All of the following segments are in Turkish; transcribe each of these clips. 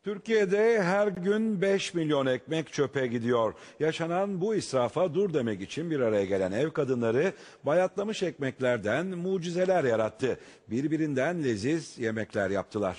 Türkiye'de her gün 5 milyon ekmek çöpe gidiyor. Yaşanan bu israfa dur demek için bir araya gelen ev kadınları bayatlamış ekmeklerden mucizeler yarattı. Birbirinden leziz yemekler yaptılar.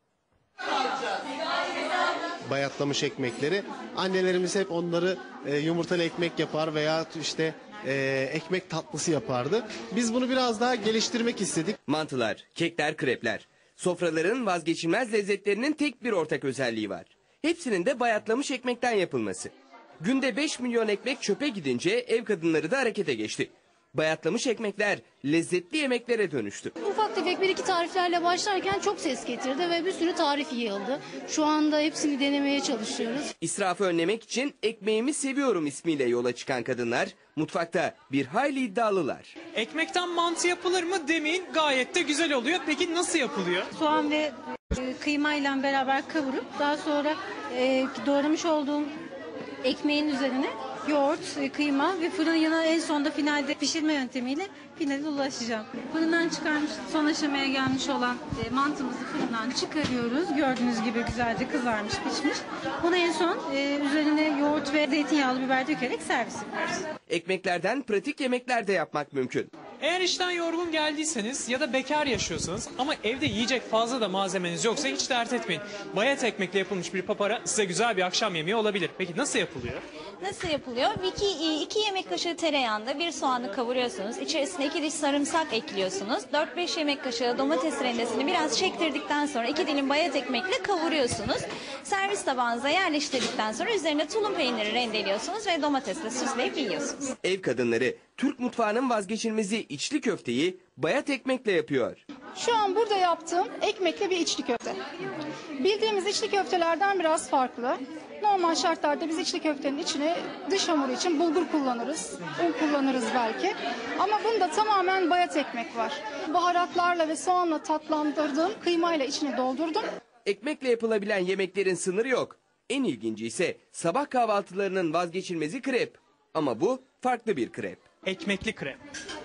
Bayatlamış ekmekleri annelerimiz hep onları yumurtalı ekmek yapar veya işte ekmek tatlısı yapardı. Biz bunu biraz daha geliştirmek istedik. Mantılar, kekler, krepler. Sofraların vazgeçilmez lezzetlerinin tek bir ortak özelliği var. Hepsinin de bayatlamış ekmekten yapılması. Günde 5 milyon ekmek çöpe gidince ev kadınları da harekete geçti. Bayatlamış ekmekler lezzetli yemeklere dönüştü. Ufak tefek bir iki tariflerle başlarken çok ses getirdi ve bir sürü tarif yığıldı. Şu anda hepsini denemeye çalışıyoruz. İsrafı önlemek için ekmeğimi seviyorum ismiyle yola çıkan kadınlar mutfakta bir hayli iddialılar. Ekmekten mantı yapılır mı demeyin, gayet de güzel oluyor. Peki nasıl yapılıyor? Soğan ve kıymayla beraber kavurup daha sonra doğramış olduğum ekmeğin üzerine yoğurt, kıyma ve fırın yanına en sonunda finalde pişirme yöntemiyle finale ulaşacağım. Fırından çıkarmış, son aşamaya gelmiş olan mantımızı fırından çıkarıyoruz. Gördüğünüz gibi güzelce kızarmış, pişmiş. Bunu en son üzerine yoğurt ve zeytinyağlı biber dökerek servis yapıyoruz. Ekmeklerden pratik yemekler de yapmak mümkün. Eğer işten yorgun geldiyseniz ya da bekar yaşıyorsanız ama evde yiyecek fazla da malzemeniz yoksa hiç dert etmeyin. Bayat ekmekle yapılmış bir papara size güzel bir akşam yemeği olabilir. Peki nasıl yapılıyor? Nasıl yapılıyor? 2 yemek kaşığı tereyağında bir soğanı kavuruyorsunuz. İçerisine 2 diş sarımsak ekliyorsunuz. 4-5 yemek kaşığı domates rendesini biraz çektirdikten sonra 2 dilim bayat ekmekle kavuruyorsunuz. Servis tabağınıza yerleştirdikten sonra üzerine tulum peyniri rendeliyorsunuz ve domatesle süsleyip yiyorsunuz. Ev kadınları Türk mutfağının vazgeçilmezi içli köfteyi bayat ekmekle yapıyor. Şu an burada yaptığım ekmekle bir içli köfte. Bildiğimiz içli köftelerden biraz farklı. Normal şartlarda biz içli köftenin içine dış hamuru için bulgur kullanırız, un kullanırız belki. Ama bunda tamamen bayat ekmek var. Baharatlarla ve soğanla tatlandırdım, kıymayla içine doldurdum. Ekmekle yapılabilen yemeklerin sınırı yok. En ilginci ise sabah kahvaltılarının vazgeçilmezi krep. Ama bu farklı bir krep. Ekmekli krep.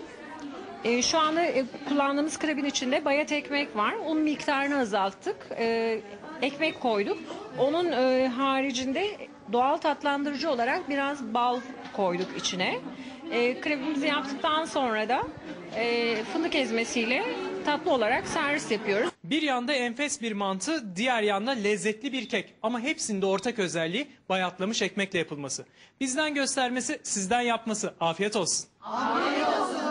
Şu anda kullandığımız krebin içinde bayat ekmek var. Un miktarını azalttık. Ekmek koyduk. Onun haricinde doğal tatlandırıcı olarak biraz bal koyduk içine. Krebimizi yaptıktan sonra da fındık ezmesiyle tatlı olarak servis yapıyoruz. Bir yanda enfes bir mantı, diğer yanda lezzetli bir kek. Ama hepsinde ortak özelliği bayatlamış ekmekle yapılması. Bizden göstermesi, sizden yapması. Afiyet olsun. Afiyet olsun.